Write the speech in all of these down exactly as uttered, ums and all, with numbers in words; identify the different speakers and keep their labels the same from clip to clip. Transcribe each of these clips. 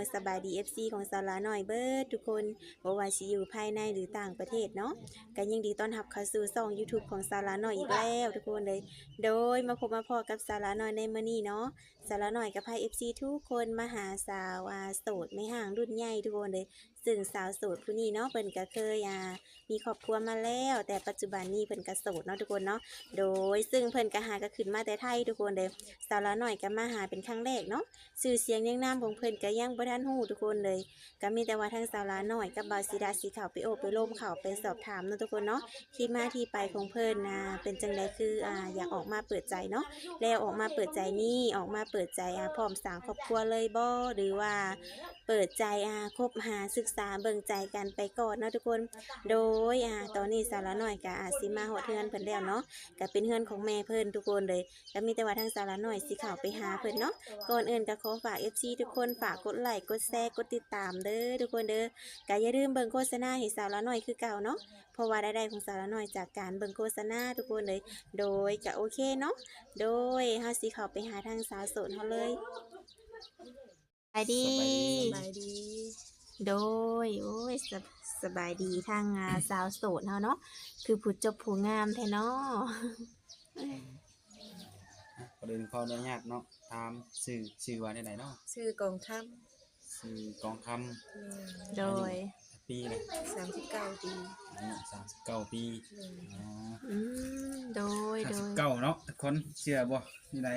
Speaker 1: สบายดี เอฟ ซี ของสาวลาน้อยเบิดทุกคนบ่ว่าสิอยู่ภายในหรือต่างประเทศเนาะก็ยินดีต้อนรับเข้าสู่ช่อง YouTube ของสาวลาน้อยอีกแล้วทุกคนเลยโดยมาพบมาพอกับสาวลาน้อยในมื้อนี้เนาะสาวลาน้อยก็พา เอฟ ซี ทุกคนมาหาสาวอ่าโสดไม่ห่างรุ่นใหญ่ทุกคนเลยซึ่งสาวโสดผู้นี้เนาะเพิ่นก็เคยอ่ามีครอบครัวมาแล้วแต่ปัจจุบันนี้เพิ่นก็โสดเนาะทุกคนเนาะโดยซึ่งเพิ่นก็หาก็ขึ้นมาแต่ไทยทุกคนเลยสาวลาน้อยก็มาหาเป็นครั้งแรกเนาะชื่อเสียงเรียงนามของเพิ่นก็ยังบ่ทันฮู้ทุกคนเลยก็มีแต่ว่าทางสาวลาน้อยกับบ่าวศิดาสิเข้าไปโอบไปร่มเข้าไปสอบถามเนาะทุกคนเนาะที่มาที่ไปของเพิ่นน่ะเป็นจังไดคืออ่าอยากออกมาเปิดใจเนาะแล้วออกมาเปิดใจนี่ออกมาเปิดใจอ่าพร้อมสร้างครอบครัวเลยบ่หรือว่าเปิดใจอ่าคบหาศึกษาเบิ่งใจกันไปก่อนเนาะทุกคนโดยอ่าตอนนี้สาวลาน้อยก็อาจสิมาฮอดเฮือนเพิ่นแล้วเนาะก็เป็นเฮือนของแม่เพิ่นทุกคนเลยก็มีแต่ว่าทางสาวลาน้อยสิเข้าไปหาเพิ่นเนาะก่อนอื่นก็ขอฝาก เอฟ ซี ทุกคนฝากกดไลค์กดแชร์กดติดตามเด้อทุกคนเด้อก็อย่าลืมเบิ่งโฆษณาให้สาวลาน้อยคือเก่าเนาะเพราะว่ารายได้ของสาวลาน้อยจากการเบิ่งโฆษณาทุกคนเลยโดยก็โอเคเนาะโดยเฮาสิเข้าไปหาทางสาวโสดเฮาเลยสบายดี
Speaker 2: สบายดี
Speaker 1: โดยโอ้ยสบสบายดีทางอ่าสาวโสดเฮาเนาะคือผู้จบผู้งามแท้เนาะ
Speaker 3: ประเด็นขออนุญาตเนาะตามสื่อสื่อว่าได้ไหนเนาะ
Speaker 2: ชื่อกองทัพ
Speaker 3: สื่อกองค
Speaker 1: โดย
Speaker 3: ำปีเลย
Speaker 2: สามสิบเก้าปี
Speaker 3: อายุสามสิบเก้าปี
Speaker 2: อืม
Speaker 3: อ๋อ
Speaker 1: อืมโดย
Speaker 3: สาม
Speaker 1: โด
Speaker 3: สิบ
Speaker 1: ย
Speaker 3: เก้าเนาะทุกคนเชื่อบ่นี่ไหน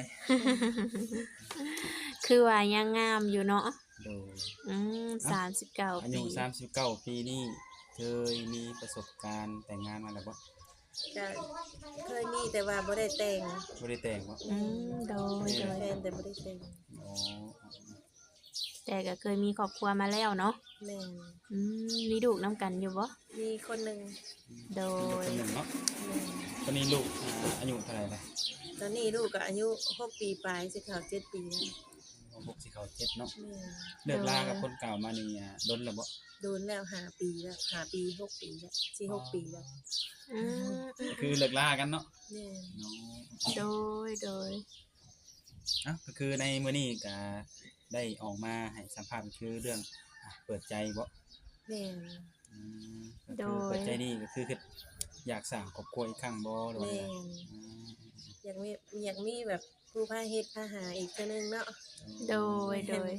Speaker 1: คือว่ายังงามอยู่เนาะ
Speaker 3: โดย
Speaker 1: อืมสามสิบเก้า
Speaker 3: อา
Speaker 1: ปี
Speaker 3: ยุสามสิบเก้าปีนี่เคยมีประสบการณ์แต่งงานมาแล้วบ่
Speaker 2: ก็เคยมีแต่ว่าบ่ได้แต่ง
Speaker 3: บ่ได้แต่งบ่
Speaker 1: อืมโดยโดย
Speaker 2: แฟนแต่บ่ได้แต่ง
Speaker 3: อ๋อ
Speaker 1: แต่ก็เคยมีครอบครัวมาแล้วเนาะ
Speaker 2: แม่น
Speaker 1: อืมมีลูกน้ำกันอยู่บ่
Speaker 2: มีคนหนึ่ง
Speaker 1: โด
Speaker 3: มีลูก
Speaker 1: ย
Speaker 3: คนหนึ่งเนาะ
Speaker 2: แม่น
Speaker 3: ตอนนี้ลูกอ่าอายุเท่าไหร่ล่ะ
Speaker 2: ตอนนี้ลูกก็อายุหกปีปลายสิเข้าเจ็ดปีแล้ว
Speaker 3: หกสิเข้าเจ็ดเนาะ
Speaker 2: แม่น
Speaker 3: เลิกลากับคนเก่ามานี่อ่าดนแล้วบ่
Speaker 2: โดนแล้วห้าปีแล้วห้าปีหกปีแล้วสิหกปีแล้ว
Speaker 1: อืม
Speaker 3: ก็คือเลิกลากันเนาะ
Speaker 2: แม่น
Speaker 3: เนาะ
Speaker 1: โดยโดย
Speaker 3: อ่ะก็คือในมื้อนี้ก็ได้ออกมาให้สัมภาษณ์ก็คือเรื่องอ่ะเปิดใจบ่
Speaker 2: แม่น
Speaker 3: อืมก็คือเปิดใจนี่ก็คือคืออยากสร้างครอบครัวอีกครั้งบ่หรือว่า
Speaker 2: แม่
Speaker 3: ไง
Speaker 2: น
Speaker 3: อืม
Speaker 2: อยากมีอยากมีแบบผู้พาเฮ็ดพาหาอีกเทื่อนึงเนาะ
Speaker 1: โดยโดย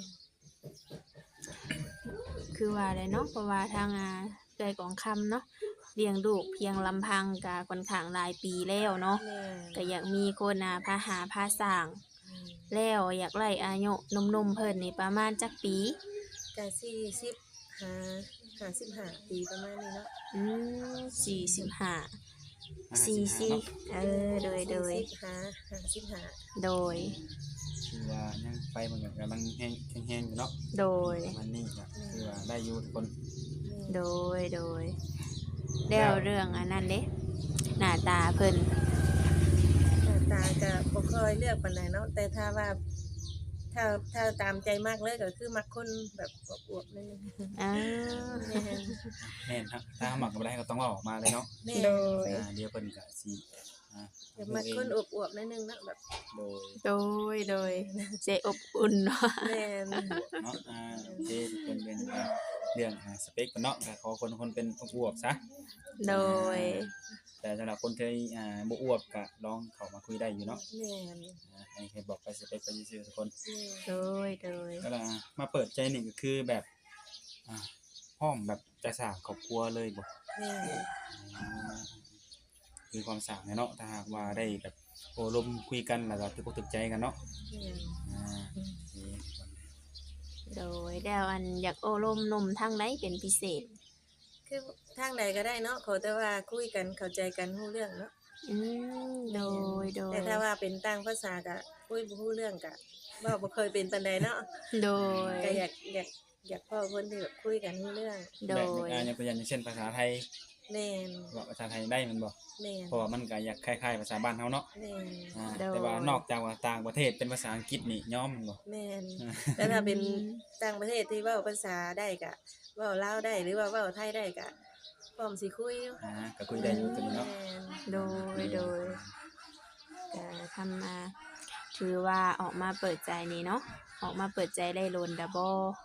Speaker 1: คือว่าเลยเนาะเพราะว่าทางอ่าเอื้อยกองคำเนาะเลี้ยงลูกเพียงลำพังก็ค่อนข้างหลายปีแล้วเนาะ
Speaker 2: แม่น
Speaker 1: ก็อยากมีคนอ่าพาหาพาสร้าง
Speaker 2: อืม
Speaker 1: แล้วอยากไล่อายุหนุ่มๆเพิ่นนี่ประมาณจักปี
Speaker 2: ก็สี่สิบห้า ห้าสิบห้าปีประมาณนี้เนาะ
Speaker 1: อืมสี่สิบห้า
Speaker 3: อ่า
Speaker 1: สี่
Speaker 3: สิบ
Speaker 1: สิ
Speaker 3: ห้าเนาะ
Speaker 1: เออโดยโดย
Speaker 2: สี่สิบห้า ห้าสิบห้า
Speaker 1: โดย
Speaker 3: คือว่ายังไปมันก็กำลังแห้งแห้งๆอยู่เนาะ
Speaker 1: โดย
Speaker 3: ประมันนี่ก็คือว่าได้อยู่ทุกคน
Speaker 1: โดยโดยแล้วเรื่องอันนั้นเด้หน้าตาเพิ่น
Speaker 2: หน้าตาก็บ่ค่อยเลือกปานใดเนาะแต่ถ้าว่าถ้าถ้าตามใจมากเลยก็คือมักคนแบบอวบๆนิดนึง
Speaker 1: อ่า
Speaker 2: แม่น
Speaker 3: แม่นครับถ้าหมักก็บ่ได้ก็ต้องเอาออกมาเลยเนาะ
Speaker 2: แม่
Speaker 1: โด
Speaker 2: น
Speaker 1: ย
Speaker 3: อ่าเดี๋ยวเพิ่นก็สิอ่า
Speaker 2: อยากมักคนอวบๆนิดนึงเนาะแบบ
Speaker 3: โดย
Speaker 1: โดยโดยใจอบอุ่นเนาะ
Speaker 2: แม่น
Speaker 3: เนาะอ่าโอเคทุกคนเป็นอ่าเรื่องอ่าสเปคกันเนาะก็ขอคนคนเป็นอวบๆซะ
Speaker 1: โดย
Speaker 3: แต่สำหรับคนที่อ่าบ่อวบก็ลองเข้ามาคุยได้อยู่เนาะ
Speaker 2: แม่น
Speaker 3: อ่าให้ให้บอกไปสเปคไปซื่อๆทุกคน
Speaker 2: แม่น
Speaker 1: โดยโดย
Speaker 3: ก็ล่ะมาเปิดใจนี่ก็คือแบบอ่าพร้อมแบบจะสร้างครอบครัวเลยบ่
Speaker 2: แม่น
Speaker 3: อ่าคือความสร้างเนี่ยเนาะถ้าหากว่าได้แบบโอ้ลมคุยกันแล้วก็ถูกอกถูกใจกันเนาะ
Speaker 2: แม่น
Speaker 3: อ่าโอเค
Speaker 1: โดยแล้วอันอยากโอ้ลมหนมทางไหนเป็นพิเศษ
Speaker 2: คือทางใดก็ได้เนาะขอแต่ว่าคุยกันเข้าใจกันรู้เรื่องเนาะ
Speaker 1: อืมโดยโดย
Speaker 2: แต่ถ้าว่าเป็นต่างภาษาก็คุยบ่รู้เรื่องก็เว้าบ่เคยเป็นปานใดเนาะ
Speaker 1: โดย
Speaker 2: ก็อยากอยากอยากพ่อคนที่แบบคุยกันรู้เรื่อง
Speaker 1: โด
Speaker 3: แบบ
Speaker 1: ย
Speaker 3: อ่าอย่างตัวอย่างเช่นภาษาไทย
Speaker 2: แม่น
Speaker 3: ว่าภาษาไทยได้มันบ่
Speaker 2: แม่น
Speaker 3: เพราะว่ามันก็อยากคล้ายๆภาษาบ้านเฮาเนาะ
Speaker 2: แม่น
Speaker 3: อ่าแต่ว่านอกจากว่าต่างประเทศเป็นภาษาอังกฤษนี่ยอมมันบ่
Speaker 2: แม่นแต่ถ้าเป็นต่างประเทศที่เว้าภาษาได้ก็เว้าลาวได้หรือว่าเว้าไทยได้ก็พร้อมสิคุยอยู่
Speaker 3: อ่าก็คุยได้อยู่ตัวนี้เนาะ
Speaker 2: แม่น
Speaker 1: โดยโดยก็ทำมาถือว่าออกมาเปิดใจนี่เนาะออกมาเปิดใจได้โลนดับเบิล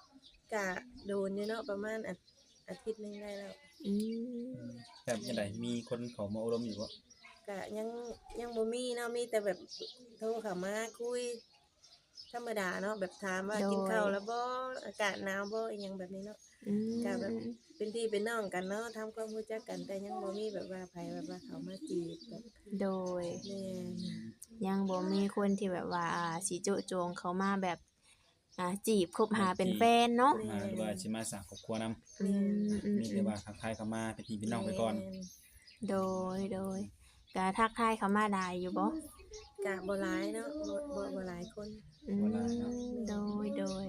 Speaker 2: กะโดนอยู่เนาะประมาณอาอาทิตย์หนึงได้แล้ว
Speaker 1: อืม
Speaker 3: แบบจังไดมีคนเขามาอบรมอยู่บ่
Speaker 2: กะยังยังบ่มีเนาะมีแต่แบบโทรเข้ามาคุยธรรมดาเนาะแบบถามว่ากินข้าวแล้วบ่อากาศหนาวบ่อีหยังแบบนี้เนาะ
Speaker 1: อืม
Speaker 2: ก็แบบ เป็นพี่เป็นน้องกันเนาะทำความรู้จักกันแต่ยังบ่มีแบบว่าไผแบบว่าเขามาจีบแบบ
Speaker 1: โดย
Speaker 2: แม่น
Speaker 1: ยังบ่มีคนที่แบบว่าอ่าสิโจะโจงเขามาแบบอ่าจีบคบหาเป็นแฟนเนาะ
Speaker 3: มาหรือว่าสิมาสร้างครอบครัวนำ
Speaker 1: อืมอืม
Speaker 3: มีแต่ว่าทักทายเข้ามาเป็นพี่เป็นน้องไปก่อน
Speaker 2: แม่
Speaker 1: โดยโดยก็ทักทายเขามาได้อยู่บ่
Speaker 2: กะบ่หลายเนาะบ่บ่บ่หลายคน
Speaker 1: อืมโดยโดย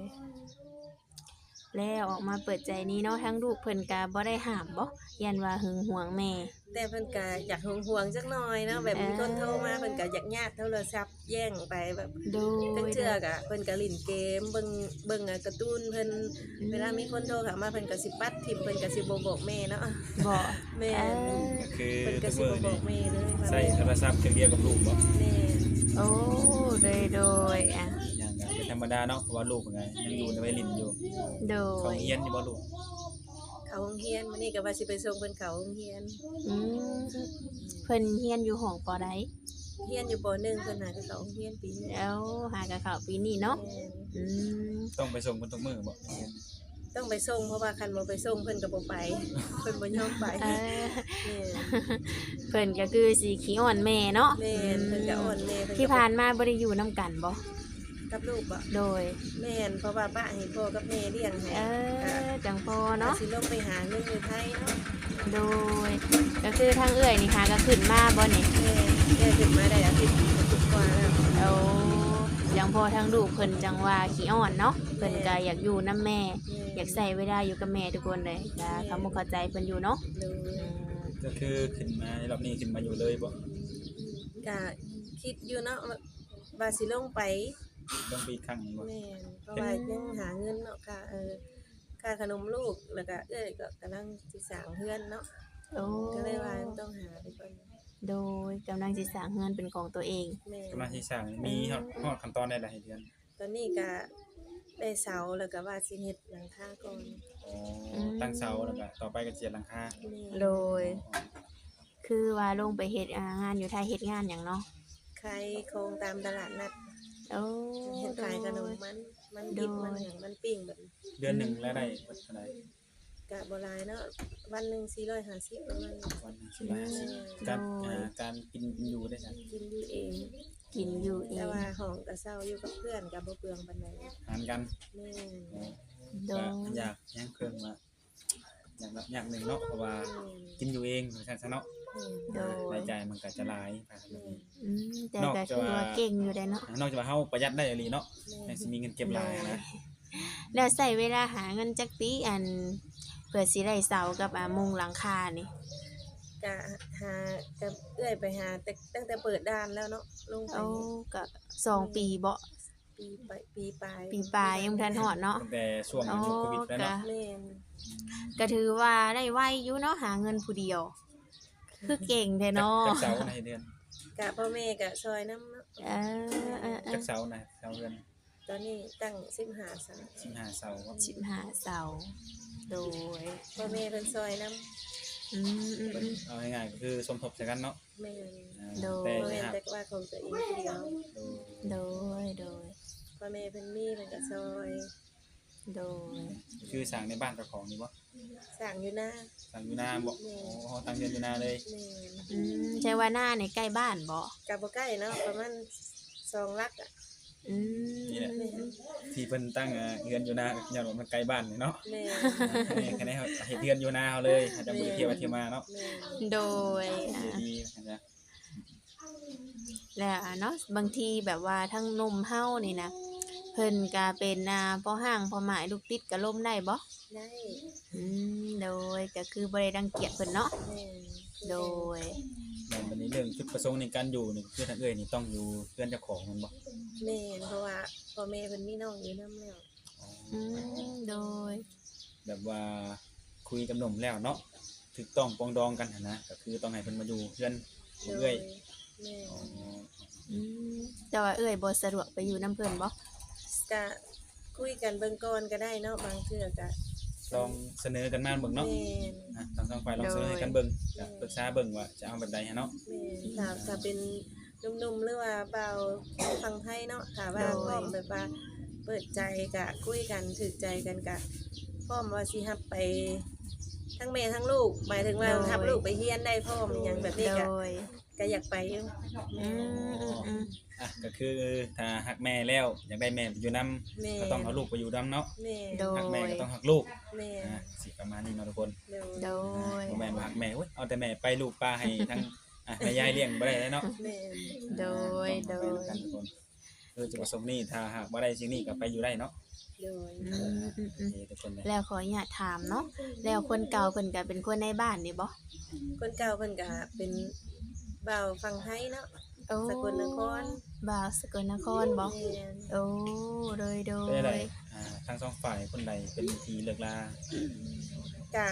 Speaker 1: แล้วออกมาเปิดใจนี้เนาะทั้งลูกเพิ่นก็บ่ได้ห้ามบ่ยันว่าหึงหวงแม่
Speaker 2: แต่เพิ่นก็อยากห่วงๆจักหน่อยเนาะแบบมีคนโทรมาเพิ่นก็อยากญาติโทรศัพท์แย่งไปแบบ
Speaker 1: โดย
Speaker 2: ตั้งเทื่อกะเพิ่นก็เล่นเกมเบิ่งเบิ่งอ่ะการ์ตูนเพิ่นเวลามีคนโทรเข้ามาเพิ่นก็สิปัดทิ่มเพิ่นก็สิบ่บอกแม่เนาะ
Speaker 1: บ่
Speaker 2: แม่
Speaker 1: เออ
Speaker 3: ก็คือ
Speaker 2: เพิ่นก็
Speaker 3: ทุก
Speaker 2: สิ
Speaker 3: มื้อ
Speaker 2: บ่บอ
Speaker 3: นี่
Speaker 2: กแม่เลยว่า
Speaker 3: ใช้โทรศัพท์เครื่องเดียวกับลูกบ่
Speaker 2: แม่
Speaker 1: โอ้โดยโดยอ่ะ
Speaker 3: อย่างก็เป็นธรรมดาเนาะเพราะว่าลูกเป็นไงยังอยู่ในวัยรุ่นอยู่
Speaker 1: โด
Speaker 3: เขา
Speaker 1: ย
Speaker 3: เรียนอยู่บ่ลูก
Speaker 2: เขาโรงเรียนมื้อนี้ก็ว่าสิไปส่งเพิ่นเข้าโรงเรียน
Speaker 1: อืมเพิ่นเรียนอยู่ห้องปอใด
Speaker 2: เรียนอยู่ปหนึ่งเพิ่นหาก็เข้าโรงเรียนปีนี้
Speaker 1: แล้วหากะเข้าปีนี้เนาะ
Speaker 2: แม่
Speaker 1: อืม
Speaker 3: ต้องไปส่งเพิ่นทุกมื้อบ่เรียน
Speaker 2: ต้องไปส่งเพราะว่าคันบ่ไปส่งเพิ่นก็บ่ไป เพิ่นบ่ยอมไป
Speaker 1: เออ
Speaker 2: แม่
Speaker 1: เพิ่นก็คือสิขี้อ่อนแม่เนาะ
Speaker 2: แม่เพิ่นก็อ่อนแม่เพิ่นก็
Speaker 1: ที่ผ่านมาบ่ได้อยู่นํกันบ่
Speaker 2: กับลูกบ่
Speaker 1: โดย
Speaker 2: แม่นเพราะว่าป้าให้พ่อกับแม่เลี้ยงให้
Speaker 1: เออจังพอ
Speaker 2: เนาะ
Speaker 1: เนาะ
Speaker 2: สิลงไปหาเงินอยู่ไทยเนาะ
Speaker 1: โดย ก็คือทางเอื้อยนี่ค่ะก็ขึ้นมาบ่นี่
Speaker 2: แม่แม่ขึ้นมาได้อาทิตย์กว่าแล้ว
Speaker 1: เอาจังพอทางลูกเพิ่นจังว่าขี้อ่อนเนาะเพิ่นก็อยากอยู่นํแม่ อยากใส่เวลาอยู่กับแม่ทุกคนเลยก็เขาบ่เข้าใจเพิ่นอยู่เนาะ
Speaker 2: ดู
Speaker 1: อืม
Speaker 3: ก็คือขึ้นมาในรอบนี้ขึ้นมาอยู่เลยบ่
Speaker 2: ก็คิดอยู่เนาะว่าสิลงไป
Speaker 3: ต้องไปอีกครั้งหนึ่งบ่
Speaker 2: แม่นเพราะว่ายังหาเงินเนาะค่ะเออค่าขนมลูกแล้วก็เอ้ยก็กำลังสิสร้างเฮือนเนาะ
Speaker 1: โอ้
Speaker 2: ก็เลยว่าต้องหาไปก่อน
Speaker 1: โดยกำลังสิสร้างเฮือนเป็นของตัวเอง
Speaker 2: แม่
Speaker 3: กำลังสิสร้างมีฮอดฮอดขั้นตอนได้หลายเดือน
Speaker 2: ตอนนี้ก็ได้เสาแล้วก็ว่าสิเฮ็ดหลังคาก่อน
Speaker 3: อ๋อตั้งเสาแล้วก็ต่อไปก็เจียดหลังคา
Speaker 2: แม่
Speaker 1: โดย คือว่าลงไปเฮ็ดอ่างานอยู่ไทยเฮ็ดงานหยังเนาะ
Speaker 2: ขายโครงตามตลาดนัด
Speaker 1: โอ้
Speaker 2: เฮ็ด
Speaker 1: โด
Speaker 2: ขายขนม
Speaker 1: ย
Speaker 2: มันมันดิบ
Speaker 1: โดย
Speaker 2: มันหยังมันปิ้งแบบ
Speaker 3: เดือนหนึงรายได้เท่าใด
Speaker 2: กะบ่หลายเนาะวันหนึงสี่ร้อยห้าสิบประมาณนี้
Speaker 3: วันหนึงสิบห้าสิบการอ่าการกินกินอยู่ได้ซั่น
Speaker 2: กินอยู่เอง
Speaker 1: กินอยู่เอ
Speaker 2: แต่
Speaker 1: ง
Speaker 2: ว่าห้องก็เช่าอยู่กับเพื่อนก็บ่เปลืองปานใด
Speaker 3: หารกัน
Speaker 2: แม่น
Speaker 3: อ๋อ
Speaker 1: โด
Speaker 3: ก็
Speaker 1: ย
Speaker 3: อยากยังเครื่องมาอยากละอยากหนึ่งเนาะเพราะว่ากินอยู่เองเหมือนกันซะเนาะ
Speaker 1: โดย
Speaker 3: รายจ่ายมันก็จะหลายไปแบบนี้
Speaker 1: อืมแต่ก็คือว่าเก่งอยู่ได้เนาะ
Speaker 3: นอกจากว่าเฮาประหยัดได้อีหลีเนาะยังสิมีเงินเก็บหลายนะ
Speaker 1: แล้วใส่เวลาหาเงินจักปีอันเพื่อสิได้เสากับอ่ามุงหลังคานี่
Speaker 2: ก็หาก็เอื้อยไปหาแต่ตั้งแต่เปิดด้านแล้วเนาะลงไป
Speaker 1: โอ้ก็สองปีบ่
Speaker 2: ปีไปปีปลาย
Speaker 1: ปีปลายยังบ่ทันฮอดเนาะ
Speaker 3: ตั้งแต่ช่วงยุคโควิดแล้วเนาะ
Speaker 2: แม่น
Speaker 1: ก็ถือว่าได้ไวอยู่เนาะหาเงินผู้เดียว คือเก่งแท้เนาะ
Speaker 3: จักเสาในเดือน
Speaker 2: กะพ่อแม่ก็ซอยน้ำเนาะ
Speaker 1: เออเออเอ
Speaker 3: จั
Speaker 1: อก
Speaker 3: เสาในเสาเดือน
Speaker 2: ตอนนี้ตั้งสิบห้าสา
Speaker 3: สิบห้าเสาครับ
Speaker 1: สิบห้าเสาโดย
Speaker 2: พ่อแม่เพิ่นซอยน้
Speaker 1: อืมอืมอืม
Speaker 3: เอาง่ายๆก็คือสมทบใส่กันเนาะ
Speaker 2: ำแม่น
Speaker 3: อ่า
Speaker 1: โดย
Speaker 3: แต่
Speaker 2: พ่อแม่
Speaker 3: นะฮะ
Speaker 2: แต่ว่าของตัวเองผู้เดียว
Speaker 3: โดย
Speaker 1: โดยโดย
Speaker 2: พ่อแม่เพิ่นมีเพิ่นก็ซอย
Speaker 1: โดย
Speaker 3: คือสั่งในบ้านเจ้าของนี่บ่
Speaker 2: สร้างอยู่หน้า
Speaker 3: สั่งอยู่นาบ่โอ้ตั้งเดือนอยู่นาเลย
Speaker 2: แม่น
Speaker 1: อืมใช่ว่าหน้าในใกล้บ้านบ่
Speaker 2: กะบ่ใกล้เนาะประมาณสองลักอ่ะ
Speaker 1: อืม
Speaker 3: นี่แหละที่เพิ่นตั้งเอ่อเดือนอยู่นาก็ย้อนว่ามันใกล้บ้านนี่เนาะ
Speaker 2: แม่น
Speaker 3: อ่าแค่นี้เขาเฮ็ดเดือนอยู่นาเฮาเลยอาจจะบ่ได้เที่ยวไปเที่ยวมาเนาะ
Speaker 2: แม่น
Speaker 1: โดยอ่า
Speaker 3: ดีๆนะ
Speaker 1: แล้วอ่ะเนาะบางทีแบบว่าทั้งนมเฮานี่นะเพิ่นก็เป็นอ่าพ่อห้างพ่อหมายลูกติดก็ล่มได้บ่
Speaker 2: ได้
Speaker 1: อืมโดยก็คือบ่ได้รังเกียจเพิ่นเนาะ
Speaker 2: แม่น
Speaker 1: โดย
Speaker 3: แล้วบัดนี้เรื่องจุดประสงค์ในการอยู่นี่คือทางเอ้ยนี่ต้องอยู่เพื่อนเจ้าของแมันบ่
Speaker 2: แม่นเพราะว่าพ่อแม่เพิ่นมีน้องอยู่นำแล้ว
Speaker 3: อ๋อ
Speaker 1: อืมโดย
Speaker 3: แบบว่าคุยกับหนุ่มแล้วเนาะถูกต้องปรองดองกันหั้นนะก็คือต้องให้เพิ่นมาอยู่เพื่อนของเอ้ย
Speaker 2: แม่น
Speaker 3: อ๋อ
Speaker 1: อืมแต่ว่าเอ้ยบ่สะดวกไปอยู่นํเพิ่นบ่
Speaker 2: กะคุยกันเบิ่งก่อนก็ได้เนาะบางเทื่อก็
Speaker 3: ลองเสนอกันมาเบิ่งเนาะ
Speaker 2: แม่น
Speaker 3: อ่ะทางสองฝ่ายลองเสนอให้กันเบิ่งก็ปรึกษาเบิ่งว่าจะเอาแบบใดหั้นเนาะ
Speaker 2: แม่นถ้าถ้าเป็นหนุ่มๆหรือว่าเบาวฟังไทยเนาะถ้าว่าพร้อมแบบว่าเปิดใจก็คุยกันถูกใจกันก็พร้อมว่าสิรับไปทั้งแม่ทั้งลูกหมายถึงว่ารับลูกไปเรียนได้พร้อมหยังแบบนี้
Speaker 1: โด
Speaker 2: ก็
Speaker 1: ย
Speaker 2: ก็อยากไปอยู่
Speaker 1: อืมอืมอืม
Speaker 3: อ่ะก็คือถ้าฮักแม่แล้วอยากได้แม่ไปอยู่นํ
Speaker 2: แม่
Speaker 3: ก็ต้องเอาลูกไปอยู่นํเนาะ
Speaker 2: แม่
Speaker 1: โด
Speaker 3: ฮักแม่
Speaker 1: ย
Speaker 3: ก็ต้องฮักลูก
Speaker 2: แม่
Speaker 3: อ่ะสิประมาณนี้เนาะทุกคน
Speaker 2: เดี๋ยว
Speaker 1: โดย
Speaker 3: บ่แม่นว่าฮักแม่เว้ยเอาแต่แม่ไปลูกป้าให้ทั้งอ่ะแม่ยายเลี้ยงบ่ได้เนาะ
Speaker 2: แม่
Speaker 1: โดย
Speaker 3: อ่ะ
Speaker 1: โด
Speaker 3: ต้อง
Speaker 1: ย
Speaker 3: ไปกันทุกคนคือจุดประสงค์นี้ถ้าหากบ่ได้สิ่งนี้ก็ไปอยู่ได้เนาะ
Speaker 2: โดย
Speaker 1: อืมอืม
Speaker 3: โอ
Speaker 1: อืม
Speaker 3: เคทุกคนเลย
Speaker 1: แล้วขออนุญาตถามเนาะแล้วคนเก่าเพิ่นก็เป็นคนในบ้านนี่บ่
Speaker 2: คนเก่าเพิ่นก็เป็นเบาวฟังไทยเนาะ
Speaker 1: โอ้
Speaker 2: สกลนคร
Speaker 1: บ่าวสกลนครบ่
Speaker 2: แม่น
Speaker 1: โอ้โดยโด
Speaker 3: เป็นได้
Speaker 1: ย
Speaker 3: อ่าทั้งสองฝ่ายคนใดเป็นทีเลิกลา
Speaker 2: ก็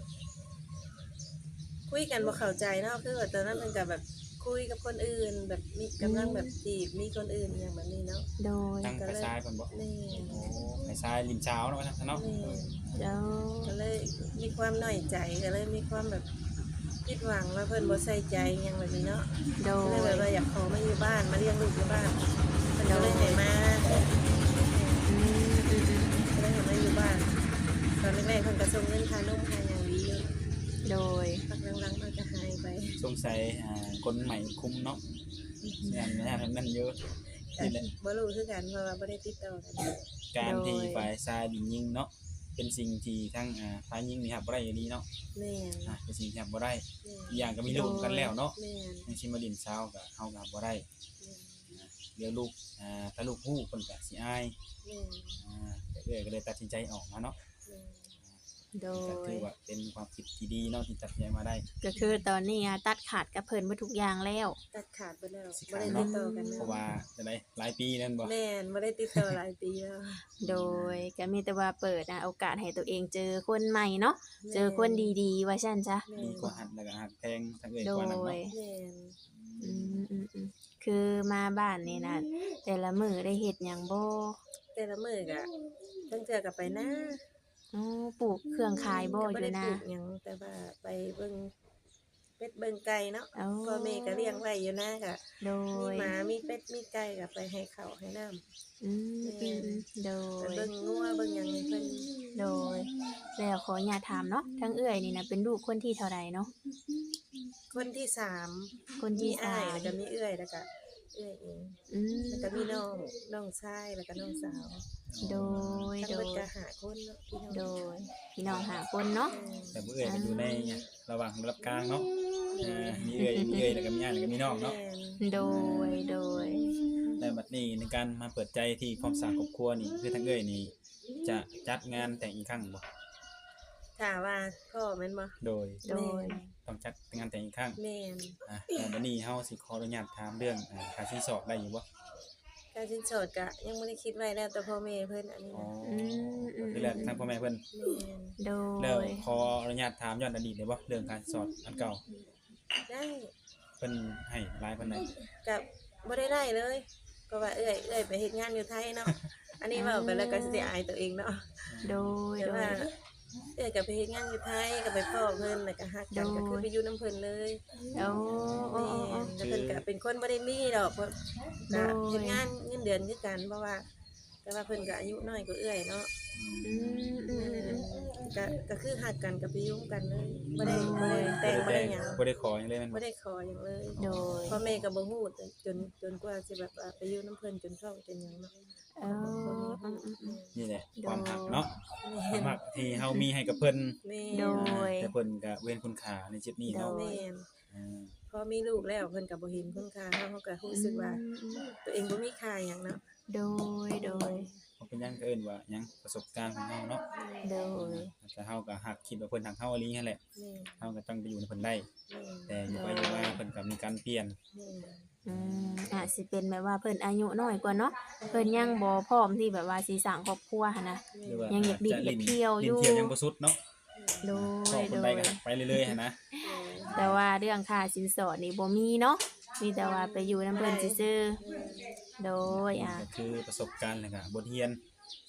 Speaker 2: คุยกันบ่เข้าใจเนาะคือว่าตอนนั้นเพิ่นก็แบบคุยกับคนอื่น แบบมีกำลังแบบจีบมีคนอื่นอย่างแบบนี้เนาะ
Speaker 1: โดย
Speaker 3: ทั้งไฟซ้ายเพิ่นบ่
Speaker 2: แม่น
Speaker 3: โอ้ไฟซ้ายริมเช้าเนาะว่าซั่นเนาะ
Speaker 2: แม่น
Speaker 1: โด
Speaker 2: ก็
Speaker 1: ย
Speaker 2: เลยมีความน้อยใจก็เลยมีความแบบคิดหวังว่าเพิ่นบ่ใส่ใจอหยังแบบนี้เนาะ
Speaker 1: โด
Speaker 2: ก็เลย
Speaker 1: ย
Speaker 2: แบบว่าอยากขอมาอยู่บ้านมาเลี้ยงลูกอยู่บ้านเพิ่นก็เลยให้มา
Speaker 1: อืมอืมอืม
Speaker 2: ก็เลยให้มาอยู่บ้านตอนแรกๆเพิ่นก็ส่งเงินค่านมค่าหยังดีอยู่
Speaker 1: โดย
Speaker 2: พักหลังๆมันก็หายไป
Speaker 3: สงสัยอ่าคนใหม่คุมเนาะงานงานนั่นเยอะนี่แหละ
Speaker 2: บ่รู้คือกันเพราะว่าบ่ได้ติดต่อกัน
Speaker 3: การที่ฝ่ายซ้ายดินยิงเนาะเป็นสิ่งที่ทั้งอ่าฝ่ายยิงนี่ครับบ่ได้อยู่ดีเนาะ
Speaker 2: แม่น
Speaker 3: อ่าเป็นสิ่งที่รับบ่ได้
Speaker 2: แม่น
Speaker 3: อีกอย่างก็มีลูกกันแล้วเนาะ
Speaker 2: แม่น
Speaker 3: ในชิมาดินเช้าก็เฮาก็บ่ได้
Speaker 2: แม่น
Speaker 3: เดี๋ยวลูกอ่าถ้าลูกฮู้เพิ่นก็สิอาย
Speaker 2: แม่น
Speaker 3: อ่าแต่เอ้อยก็เลยตัดสินใจออกมาเนาะ
Speaker 2: แม่น
Speaker 1: โด
Speaker 3: ก็ถื
Speaker 1: ย
Speaker 3: อว่าเป็นความคิดที่ดีเนาะที่ตัดสินใจมาได้
Speaker 1: ก็คือตอนนี้อะตัดขาดกับเพิ่นบ่ทุกอย่างแล้ว
Speaker 2: ตัดขาดไปแล้ว
Speaker 3: สิ
Speaker 2: บ่
Speaker 3: ขาด
Speaker 2: ได้
Speaker 3: เนาะ
Speaker 2: ติดต่อกันแล้
Speaker 3: เพ
Speaker 2: ว
Speaker 3: ราะว่าจะได้หลายปีนั่นบ่
Speaker 2: แม่นบ่ได้ติดต่อหลายปีแล้ว
Speaker 1: โดยก็มีแต่ว่าเปิดอะโอกาสให้ตัวเองเจอคนใหม่เนาะเจอคนดีๆ ว่าซั่นจ้ะ
Speaker 2: แม่
Speaker 3: ดี
Speaker 2: น
Speaker 3: กว่าหัดแล้วก็หักแพงทั้งเอ้อย
Speaker 1: โด
Speaker 3: กว่านั้น
Speaker 1: ย
Speaker 3: เนาะ
Speaker 2: แม่น
Speaker 1: อืมอืมอืมคือมาบ้านนี่นะแต่ละมื้อได้เฮ็ดหยังบ่
Speaker 2: แต่ละมื้อก็ทั้งเทื่อก็ไปนะ
Speaker 1: อ๋อปลูกเครื่องขายบ่อ
Speaker 2: ก็บ่
Speaker 1: ยู่
Speaker 2: ได้
Speaker 1: นะ
Speaker 2: ปลูกหยังแต่ว่าไปเบิ่งเป็ดเบิ่งไก่เนาะ
Speaker 1: อ๋อ
Speaker 2: พ่อแม่ก็เลี้ยงไว้อยู่นะก็
Speaker 1: โด
Speaker 2: มี
Speaker 1: ย
Speaker 2: หมามีเป็ดมีไก่ก็ไปให้ข้าวให้น้ำ
Speaker 1: อืมอืมอืมโด
Speaker 2: ไป
Speaker 1: ย
Speaker 2: เบิ่งงัวเบิ่งหยังให้เพิ่น
Speaker 1: โดย แล้วขออย่าตถามเนาะทั้งเอื้อยนี่นะเป็นลูกคนที่เท่าใดเนาะ
Speaker 2: คนที่สาม
Speaker 1: คน
Speaker 2: มี
Speaker 1: ที่
Speaker 2: อ้า
Speaker 1: สาย ม
Speaker 2: แล้วก็มีเอื้อยแล้วก็เอื้อยเอง
Speaker 1: อืม
Speaker 2: แล้วก็มีน้องน้องชายแล้วก็น้องสาว
Speaker 1: โดย
Speaker 2: ทั้ง
Speaker 1: โด
Speaker 2: เบิด
Speaker 1: ย
Speaker 2: ก็หาคนเนาะพี่น้อง
Speaker 1: โดยพี่น้องหาคนเนาะ
Speaker 3: แต่ผู้เอ้อยก็อยู่ในเนี่ยระหว่างระดับกลางเนาะอ่ามีเอ้อยมีเอ้อยแล้วก็มีอ้ายแล้วก็มีน้องเนาะ
Speaker 2: แม่น
Speaker 1: โดยโดย
Speaker 3: และบัดนี้ในการมาเปิดใจที่ความสร้างครอบครัวนี่คือทั้งเอ้อยนี่จะจัดงานแต่งอีกครั้งบ่
Speaker 2: ถ้าว่าพ่อแม่นบ่
Speaker 3: โดย
Speaker 1: โดย
Speaker 3: ต้องจัดงานแต่งอีกครั้ง
Speaker 2: แม่น
Speaker 3: อ่ะแล้วบัดนี้เฮาสิขออนุญาตถามเรื่องอ่าค่าสินสอดได้อยู่บ่
Speaker 2: การสินสอดก็ยังบ่ได้คิดไว้แล้วแต่พ่อแม่เพิ่นอันนี้
Speaker 3: อ๋อ
Speaker 2: นะ
Speaker 1: อืมอืม
Speaker 3: คือแล้วทางพ่อแม่เพิ่น
Speaker 2: แม่น
Speaker 1: โด
Speaker 3: แล้ว
Speaker 1: ย
Speaker 3: ขออนุญาตถามย้อนอดีตได้บ่เรื่องการสอดอันเก่า
Speaker 2: ได้
Speaker 3: เพิ่นให้หลายปานใด
Speaker 2: กับบ่ได้ได้เลยเพราะว่าเอ้อยเอ้อยไปเฮ็ดงานอยู่ไทยเนาะอันนี้เว้าไปแล้วก็สิอายตัวเองเนาะ
Speaker 1: โดย
Speaker 2: แต่
Speaker 1: โด
Speaker 2: ว่าย เอ้อยก็ไปเฮ็ดงานอยู่ไทยก็ไปพ่อเพิ่นแล้วก็ฮักกัน
Speaker 1: โดย
Speaker 2: ก็คือไปอยู่นํเพิ่นเลย
Speaker 1: โอ้โอ้
Speaker 2: แม่
Speaker 1: โอ้
Speaker 2: นแล้วเพิ่นก็เป็นคนบ่ได้มีดอกเพิ่นก็
Speaker 1: โดย
Speaker 2: เฮ็ดงานเงินเดือนคือกันเพราะว่า แต่ว่าเพิ่นก็อายุน้อยกว่าเอ้อยเนาะ
Speaker 1: อืมอืมอืม
Speaker 2: ก็ก็คือฮักกันก็ไปยุ่งกันเลยบ่ได้บ่ได้แต่งบ่ได้หยัง
Speaker 3: บ่ได้ขอหยังเลยแม่น
Speaker 2: บ่
Speaker 3: บ่
Speaker 2: ได้ขอหยังเลย
Speaker 1: โดย
Speaker 2: พ่อแม่ก็บ่ฮู้จนจนกว่าสิแบบว่าไปอยู่นํเพิ่นจนท้องจนหยังเนาะ
Speaker 1: เอออืมอืมอืม
Speaker 3: นี่แหละความหักเนาะค
Speaker 2: แม่
Speaker 3: วามหักที่เฮามีให้กับเพิ่น
Speaker 2: แม่
Speaker 1: โดย
Speaker 3: แต่เพิ่นก็เว้นคุณค่าในจุดนี้เนาะ
Speaker 2: แม่น
Speaker 3: อ่า
Speaker 2: พอมีลูกแล้วเพิ่นก็บ่เห็นคุณค่าเฮาเขาก็รู้สึกว่า ตัวเองบ่มีค่าหยังเนาะ
Speaker 1: โดยโดย
Speaker 3: บ่เป็นหยังก็เอิ้นว่าหยังประสบการณ์ของเฮาเนาะ
Speaker 1: โดย
Speaker 3: แต่เฮาก็หักคิดว่าเพิ่นหักเฮาอีหลีนั่นแหละ
Speaker 2: แม่น
Speaker 3: เฮาก็ต้องไปอยู่ในเพิ่นได้
Speaker 2: แม่น
Speaker 3: แต่อยู่ไปอยู่มาเพิ่นก็มีการเปลี่ยน
Speaker 2: แม่น
Speaker 1: อืมอาจสิเป็นแบบว่าเพิ่นอายุน้อยกว่าเนาะเพิ่นยังบ่พร้อมที่แบบว่าสิสร้างครอบครัวหันนะ
Speaker 3: หรือว่า
Speaker 1: ยังอยากดิ้น
Speaker 3: จะ
Speaker 1: อยากเที่ยวอยู่
Speaker 3: ลิ้นเที่ยวยังบ่สุดเนาะ
Speaker 1: โด
Speaker 3: ขอย ค
Speaker 1: โด
Speaker 3: นใด
Speaker 1: ย
Speaker 3: ก็ไปเรื่อยๆหันนะ
Speaker 1: แต่ว่าเรื่องค่าสินสอดนี่บ่มีเนาะมีแต่ว่าไปอยู่นำเพิ่นซื่อๆโดยอ่ะ
Speaker 3: ก็คือประสบการณ์แล้วก็บทเรียน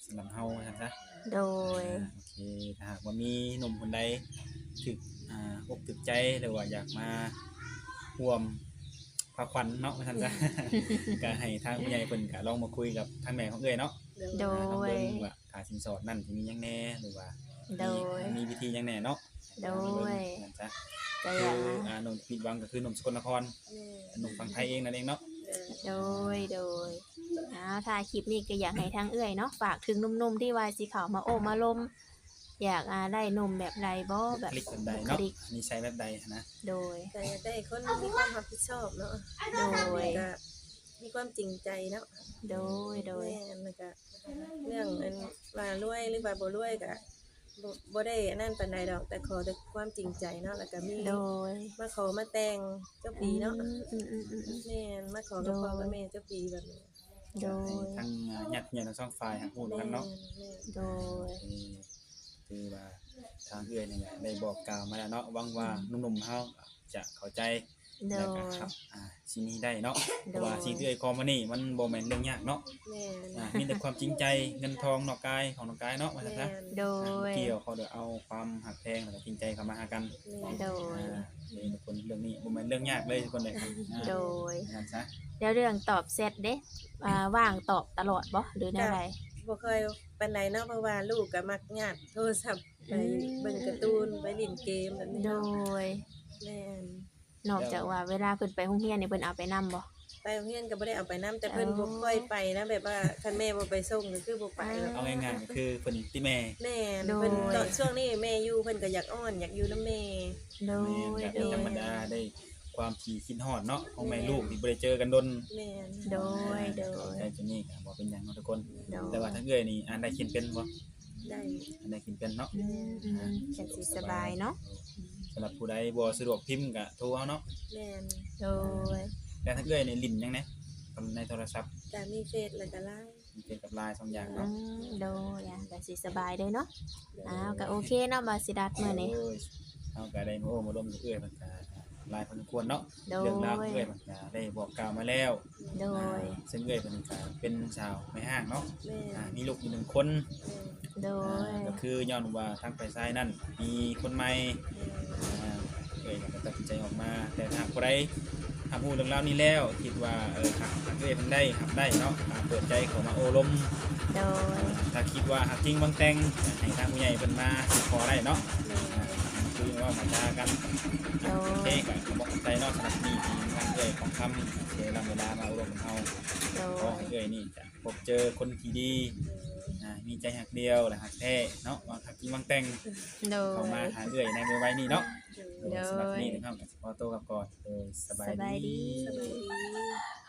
Speaker 3: สำหรับเฮาว่าซั่นซะ
Speaker 1: โดย
Speaker 3: อ่าโอเคถ้าหากว่ามีหนุ่มคนใดถึกอ่าอกถึกใจหรือว่าอยากมาร่วมพาขวัญเนาะว่าซั่นซะ ก็ให้ทางผู้ใหญ่เพิ่นก็ลองมาคุยกับทางแม่ของเอ้ยเนาะ
Speaker 1: โด
Speaker 3: อ่าลองเบิ่งว่าค่าสินสอดนั่นสิมีหยังแหน่หรือว่า
Speaker 1: โดย
Speaker 3: มีมีวิธีหยังแหน่เนาะ
Speaker 1: โดย
Speaker 3: นั่นซะ
Speaker 1: ก็อ
Speaker 3: คื
Speaker 1: ยา
Speaker 3: อก อ่าหนุ่มผิดหวังก็คือหนุ่มสกลนคร
Speaker 2: แม่
Speaker 3: หนุ่มฝั่งไทยเองนั่นเองเนาะ
Speaker 2: เด้อ
Speaker 1: โดย โดยอ้าวถ้าคลิปนี้ก็อยากให้ทางเอื้อยเนาะฝากถึงหนุ่มๆที่ว่าสิเข้ามาโอ้มาลม อยากอ่าได้หนุ่มแบบใดบ่แบบ
Speaker 3: คลิกแบบใด
Speaker 1: บุค
Speaker 3: เนาะ
Speaker 1: ลิก
Speaker 3: นิสัยแบบใดนะ
Speaker 1: โดย
Speaker 2: ก็อยากได้คนมีความรับผิดชอบเนาะ
Speaker 1: โดย
Speaker 2: ก็มีความจริงใจเนาะ
Speaker 1: โดย โดย
Speaker 2: แม่นแล้วก็เรื่องอันว่ารวยหรือว่าบ่รวยก็บ่บ่ได้อันนั้นปานใดดอก แต่ขอแต่ความจริงใจเนาะแล้วก็มี
Speaker 1: โดย
Speaker 2: มาขอมาแต่งเจ้าปีเนาะ
Speaker 1: อืมอืมอืมอืมอืม
Speaker 2: แม่นมาขอกับพ่อกับแม่เจ้าปีแบบนี้
Speaker 1: โด
Speaker 3: ให้
Speaker 1: ย
Speaker 3: ทางอ่าญาติผู้ใหญ่ทั้งสองฝ่ายหาพูด
Speaker 2: แม่
Speaker 3: กัน
Speaker 2: น
Speaker 3: เนาะ
Speaker 2: แม่น
Speaker 1: โดย
Speaker 3: เออคือว่าทางเอื้อยนี่แหละได้บอกกล่าวมาแล้วเนาะหวังว่าหนุ่มๆเฮาจะเข้าใจ
Speaker 1: โด
Speaker 3: แล้ว
Speaker 1: ย
Speaker 3: ก็ครับอ่าสิ่งนี้ได้เนาะเพ
Speaker 1: โดย
Speaker 3: ราะว่าสิ่งที่เอื้อยขอมานี่มันบ่แม่นเรื่องยากเนาะ
Speaker 2: แม่น
Speaker 3: อ่ามีแต่ความจริงใจเงินทองนอกกายของนอกกายเนาะว่าซั่น
Speaker 2: แม่
Speaker 3: ซะ
Speaker 2: น
Speaker 1: โด
Speaker 3: อ่าบ่
Speaker 1: ย
Speaker 3: เกี่ยวเขาเดี๋ยวเอาความหักแพงแล้วก็จริงใจเข้ามาหากัน
Speaker 2: แม่น
Speaker 1: โดย
Speaker 3: อ่าเลยทุกคนเรื่องนี้บ่แม่นเรื่องยากเลยทุกคนเลยครับอ่า
Speaker 1: โดย
Speaker 3: นั่นซะ
Speaker 1: แล้วเรื่องตอบเซตเด้อ่าว่างตอบตลอดบ่หรือแนวใด
Speaker 2: บ่เคยปานใดเนาะเพราะว่าลูกก็มักญาติโทรศัพท์ไป
Speaker 1: อืม
Speaker 2: เบิ่งการ์ตูนไปเล่นเกมแบบนี้
Speaker 1: โด
Speaker 2: เนาะ
Speaker 1: ย
Speaker 2: แม่น
Speaker 1: นอกจากว่าเวลาเพิ่นไปโรงเรียนนี่เพิ่นเอาไปนํบ่
Speaker 2: ไปโรงเรียนก็บ่ได้เอาไปนํแต่เพิ่น
Speaker 1: อ๋อ
Speaker 2: บ่ค่อยไปนะแบบว่าคันแม่บ่ไปส่งก็คือบ่ไปหรอก
Speaker 3: เอาง่ายๆก็คือเพิ่นติแม่
Speaker 2: แม่น
Speaker 1: โดย
Speaker 2: เพิ่นตอนช่วงนี้แม่อยู่เพิ่นก็อยากอ้อนอยากอยู่นำแม่
Speaker 1: โด
Speaker 3: แม่
Speaker 1: ย
Speaker 3: น
Speaker 1: โด
Speaker 3: ก็
Speaker 1: ย
Speaker 3: ธรรมดาได้ความที่คิดฮอดเนาะของแม่ลูกที่บ่ได้เจอกันดน
Speaker 2: แม่น
Speaker 1: โดย โด
Speaker 3: เข้าย ใจจุดนี้ก็บ่เป็นหยังเนาะทุกคน
Speaker 1: โดย
Speaker 3: แต่ว่าถ้าเอื้อยนี่อ่านได้เขียนเป็นบ่
Speaker 2: ได้
Speaker 3: อ่านได้เขียนเป็นเนาะ
Speaker 1: อืมอืมจังสิสบายเนาะ
Speaker 3: สำหรับผู้ใดบ่สะดวกพิมพ์ก็โทรเอาเนาะ
Speaker 2: แม่น
Speaker 1: โดย
Speaker 3: แต่ถ้าเอื้อยนี่ลิ้นยังไงในโทรศัพท์
Speaker 2: ก็มีเฟซแล้วก็ไลน์
Speaker 3: มีเป็นกับไลน์สองอย่าง
Speaker 1: อื
Speaker 3: เนาะ
Speaker 1: มโดยอ่ะจังสิสบายเด้อเนาะอ้าวก็โอเคเนาะบาสิดัดมื้อนี้
Speaker 3: โอ้ยเอาก็ได้มาโอ้มาร่วมกับเอื้อยมันก็หลายพอสมควรเนาะ
Speaker 1: โด
Speaker 3: เรื่องราวข
Speaker 1: ย
Speaker 3: องเอื้อยมันก็ได้บอกกล่าวมาแล้ว
Speaker 1: โดย
Speaker 3: อ่าซึ่งเอื้อยเพิ่นก็เป็นสาวไม่ห้างเนาะ
Speaker 2: แม่น
Speaker 3: อ่ามีลูกอยู่หนึ่งคน
Speaker 2: แม่น
Speaker 1: โด
Speaker 3: อ่าย ก็คือย้อนว่าทางไปซ้ายนั่นมีคนใหม่
Speaker 2: แม่น
Speaker 3: อ่าเอ้ยก็ตัดสินใจออกมา แต่ถ้าผู้ใดทำพูดเรื่องราวนี้แล้วคิดว่าเออหักหักเอ้ยมันได้หักได้เนาะอ่าเปิดใจเขามาโอลม
Speaker 1: โดย
Speaker 3: ถ้าคิดว่าหักจริงบางแต่งให้ทางผู้ใหญ่เพิ่นมาสิขอได้เนาะ
Speaker 2: แม่น
Speaker 3: อ่าคือว่ามาจากัน
Speaker 1: โด
Speaker 3: โอย เคก็ขอบอกใจเนาะสำหรับนี่ทีมทางเอ้ยของคำเสียเวลามาโอลมของเฮา
Speaker 1: โด
Speaker 3: ขอย ให้เอ้ยนี่จะพบเจอคนที่ดีอ่ามีใจหักเดียวและหักแท้เนาะว่าหักจริงบางแต่ง
Speaker 1: โด
Speaker 3: เข้าย มาหาเอ้ยในเมื่อไว้นี่เนาะ
Speaker 1: โดย
Speaker 3: สำหรับนี่นะครับขอตัวกลับก่อนโดยสบาย
Speaker 1: สบายดี
Speaker 3: ดี
Speaker 2: สบายดี